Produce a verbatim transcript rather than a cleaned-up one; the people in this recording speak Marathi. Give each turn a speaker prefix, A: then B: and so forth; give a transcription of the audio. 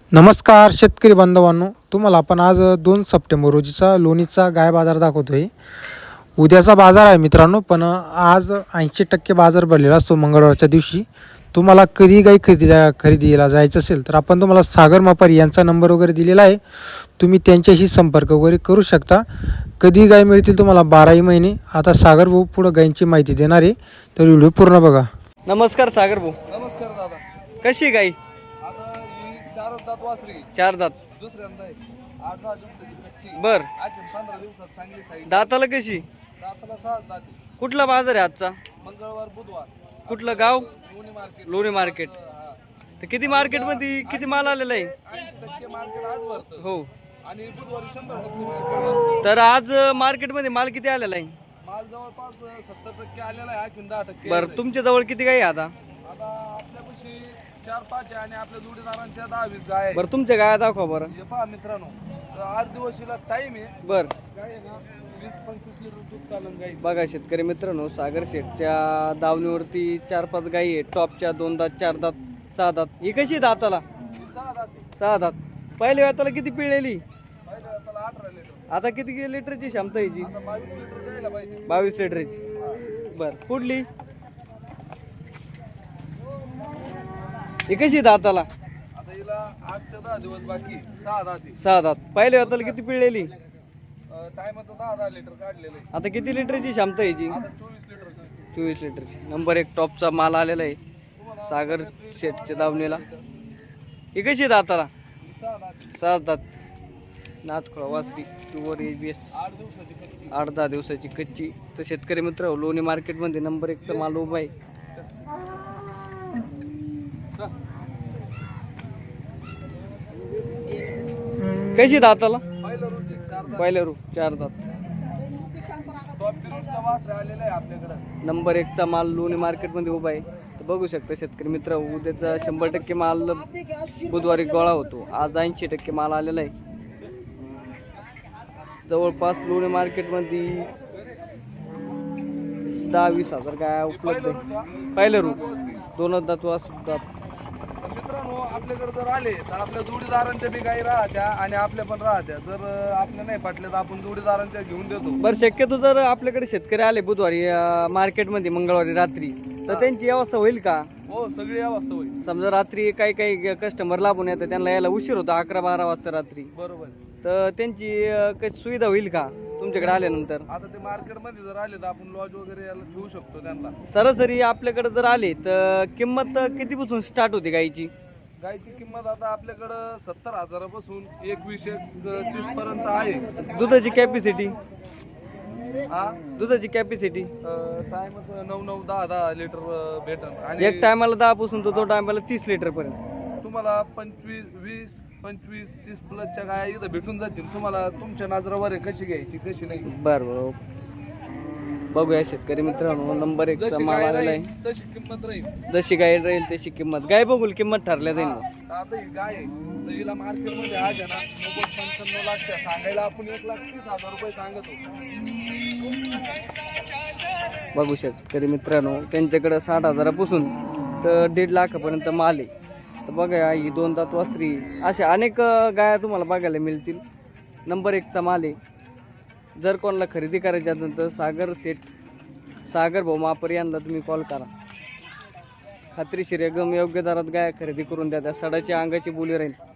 A: नमस्कार शेतकरी बांधवांनो, तुम्हाला आपण आज दोन सप्टेंबर रोजीचा लोणीचा गाय बाजार दाखवतोय. उद्याचा बाजार आहे मित्रांनो, पण आज ऐंशी टक्के बाजार भरलेला असतो मंगळवारच्या दिवशी. तुम्हाला कधी गाय खरेदी खरेदीला जायचं असेल तर आपण तुम्हाला सागर मापारी यांचा नंबर वगैरे दिलेला आहे. तुम्ही त्यांच्याशी संपर्क वगैरे करू शकता. कधी गाय मिळतील तुम्हाला बाराही महिने. आता सागर भाऊ पुढं गायींची माहिती देणार आहे, तर व्हिडिओ पूर्ण बघा.
B: नमस्कार सागर भाऊ.
C: नमस्कार दादा.
B: कशी गाई?
C: आता ही चार दात वासरी
B: चार दात.
C: दुसऱ्यांदा आहे. आठ दहा दिवसाची कच्ची.
B: बर.
C: अजून पंधरा दिवसात चांगली साईड.
B: दाताला कशी?
C: दाताला सहा दात.
B: कुठला बाजार आहे आजचा?
C: मंगळवार बुधवार.
B: कुठलं गाव?
C: लोणी मार्केट.
B: लोणी मार्केट. तर किती मार्केट मध्ये किती माल आलेला आहे?
C: ऐंशी टक्के मार्केट आज भरतं.
B: हो.
C: आणि बुधवारी शंभर टक्के मार्केट.
B: तर आज मार्केट मध्ये माल किती आलेला आहे?
C: माल जवळपास सत्तर टक्के आलेला आहे. आणखी दहा टक्के.
B: बर, तुमच्या जवळ किती गाई आहे आता?
C: आता आपल्यापाशी चार पाच आहे आणि आपल्या जोडीदारांच्या दहा वीस गाय आहे.
B: बर, तुमच्या गाया दाखवा बरं.
C: हे पहा मित्रांनो, तर आठ दिवशीला टाइम आहे.
B: बर,
C: गाय आहे ना वीस पंचवीस लिटर दूध चालन गाई.
B: बघा शेतकरी मित्रांनो, सागर शेठच्या दावणीवरती चार पाच गाई आहे. टॉपच्या दोन दात, चार दात, सहा दात. ही कशी दाताला?
C: ही सहा दात आहे.
B: सहा दात. पहिल्या वेळाला किती पिळलेली?
C: पहिल्या वेळेला अठरा लिटर.
B: आता किती लिटरची क्षमता याची?
C: आता बावीस लिटर द्यायला पाहिजे.
B: बावीस लिटरची. बर, पुढली ही कशी दाताला?
C: आता हिला आठ ते दहा दिवस बाकी. सहा दात आहे.
B: सहा दात. पहिल्या वेळाला किती पिळलेली?
C: टायमाचं दहा दहा लिटर काढलेलं आहे.
B: आता किती लिटरची क्षमता याची?
C: आता चोवीस लिटर.
B: चोवीस लिटरची. नंबर एक टॉपचा माल आलेला आहे सागर शेठच्या दावणीला. ही कशी दाताला?
C: ही सहा दात आहे.
B: सहा दात. नाथखोळा वासरी टूवर ए बी एस.
C: आठ दिवसाची कच्ची.
B: आठ दहा दिवसाची कच्ची. तर शेतकरी मित्र, लोणी मार्केटमध्ये नंबर एकचा माल उभा आहे. कशी दाताला?
C: पहिलं रोज आहे. चार दात.
B: पहिल्या रू चार दात.
C: टॉप पिरियडचा वासरे आलेला आहे आपल्याकडं.
B: नंबर एकचा माल लोणी मार्केटमध्ये उभा आहे. तर बघू शकता शेतकरी मित्र, उद्याचा शंभर टक्के माल बुधवारी गोळा होतो. आज ऐंशी टक्के माल आलेला आहे. जवळपास लोणी मार्केटमध्ये दहा वीस हजार काय उपलब्ध आहे. पहिलं रू दोन दात वास दात.
C: तर मित्रांनो, आपल्याकडे जर आले तर आपल्या जोडीदारांच्या बी गाई राहत्या आणि आपल्या पण राहत्या. जर आपल्या नाही पटल्या तर आपण जोडीदारांच्या घेऊन देतो.
B: बरं, शक्यतो जर आपल्याकडे शेतकरी आले बुधवारी अं, मार्केटमध्ये मंगळवारी रात्री, तर त्यांची व्यवस्था होईल का?
C: हो, सगळी अवस्था होईल.
B: समजा रात्री काही काही कस्टमर लाभून येतात, त्यांना यायला उशीर होतो अकरा बारा वाजता रात्री,
C: बरोबर.
B: तर त्यांची अं, काही सुविधा होईल का तुमच्याकडे आल्यानंतर?
C: आता ते मार्केटमध्ये जर आले तर आपण लॉज वगैरे याला ठेवू शकतो त्यांना.
B: सरासरी आपल्याकडे जर आले तर किंमत कितीपासून स्टार्ट होते गायची?
C: गायची किंमत आता आपल्याकडं सत्तर हजारापासून एकवीस एक तीस पर्यंत आहे.
B: दुधाची कॅपॅसिटी?
C: हा,
B: दुधाची कॅपॅसिटी
C: टायमच नऊ नऊ दहा दहा लिटर भेटन. आणि
B: एक टायमाला दहा पासून तो दोन टायमाला तीस लिटर पर्यंत.
C: तुम्हाला पंचवीस वीस पंचवीस तीस प्लसच्या गाय इथं भेटून जातील. तुम्हाला तुमच्या नजरावर आहे कशी घ्यायची कशी नाही.
B: बरं बरं, बघूया शेतकरी मित्रांनो, नंबर एकचा
C: जशी
B: माल
C: गाय
B: आलेला
C: राहील
B: आहे.
C: तशी किंमत राहील.
B: जशी गाय राहील तशी किंमत. गाय बघूल किंमत ठरल्या जाईल मग.
C: हा, आता ही गाय आहे तर हिला मार्केटमध्ये आज आहे ना नव्वद पंच्याण्णव लाख त्या सांगायला आपण एक लाख तीस हजार रुपये सांगत होतो.
B: बघू शेतकरी मित्रांनो, त्यांच्याकडे साठ हजारापासून तर दीड लाखापर्यंत माल आहे. तर बघा, ही दोन दात वासरी अशा अनेक गाया तुम्हाला बघायला मिळतील. नंबर एकचा माल आहे. जर कोणाला खरेदी करायची असेल तर सागर सेट सागर भाऊ मापर यांना तुम्ही कॉल करा. खात्रीशीर एकदम योग्य दरात गाय खरेदी करून द्या. त्या सडाची अंगाची बोली राहील.